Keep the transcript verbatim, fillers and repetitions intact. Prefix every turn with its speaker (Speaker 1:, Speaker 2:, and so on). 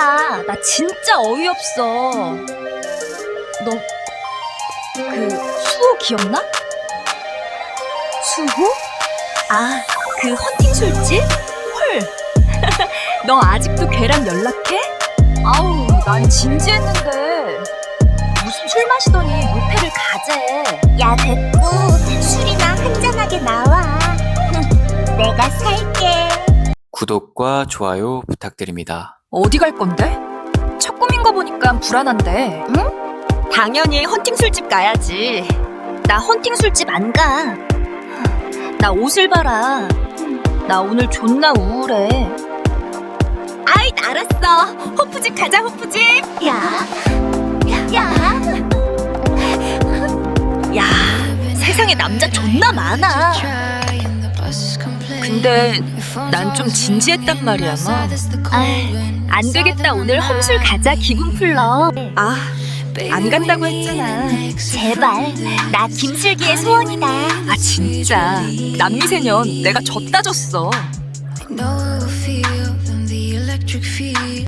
Speaker 1: 야, 나 진짜 어이없어. 너 그 수호 기억나? 수호? 아, 그 헌팅 술집? 헐. 너 아직도 걔랑 연락해? 아우, 난 진지했는데 무슨 술 마시더니 모텔을 가재.
Speaker 2: 야, 됐고 술이나 한잔하게 나와. 내가 살게.
Speaker 3: 구독과 좋아요 부탁드립니다.
Speaker 1: 어디 갈 건데? 첫 꿈인 거 보니까 불안한데. 응? 당연히 헌팅 술집 가야지. 나 헌팅 술집 안 가. 나 옷을 봐라. 나 오늘 존나 우울해. 아이, 알았어. 호프집 가자, 호프집.
Speaker 2: 야, 야,
Speaker 1: 야, 세상에 남자 존나 많아. 근데 난 좀 진지했단 말이야, 마. 안 되겠다. 오늘 험술 가자. 기분 풀러. 아, 안 간다고 했잖아.
Speaker 2: 제발. 나 김슬기의 소원이다.
Speaker 1: 아, 진짜 남미세년 내가 졌다 졌어.